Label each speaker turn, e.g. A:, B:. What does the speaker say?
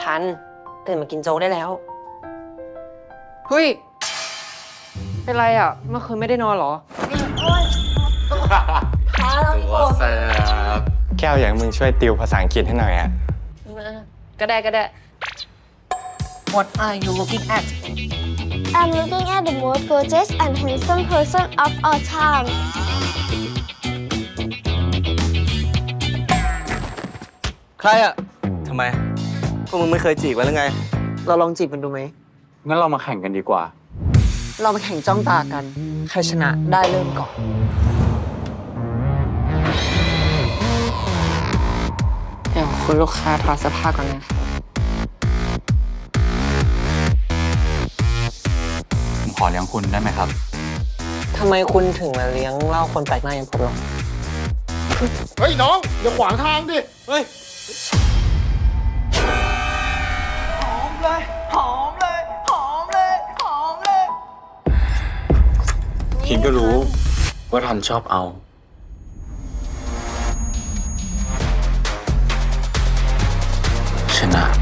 A: ทันตื่นมากินโจ๊กได้แล้ว
B: เฮ้ย เป็นไรอ่ะ เมื่อคืนไม่ได้นอนเหรอ
C: ตัวแสบ
D: แก้วอยากให้มึงช่วยติวภาษาอังกฤษให้หน่อยอะ
B: ก็ได้ก็ได้
A: What are you looking at
E: I'm looking at the most gorgeous and handsome person of all time.
F: ใครอะทำไม พวกมึงไม่เคยจีบกันหรือไง
A: เราลองจีบมันดูไหม
D: งั้นเรามาแข่งกันดีกว่า
A: เรามาแข่งจ้องตากัน ใครชนะได้เริ่มก่อน
B: เดี๋ยวคุณลูกค้าถอดเสื้อผ้าก่อนนะคะ
D: ผมขอเลี้ยงคุณได้ไหมครับ
A: ทำไมคุณถึงมาเลี้ยงเหล้าคนแปลกหน้าอย่างผมหรอ
C: เฮ้ยน้อง อย่าขวางทางดิ
F: เฮ้ย
D: คิดก็รู้ว่าทันชอบเอา ชนะ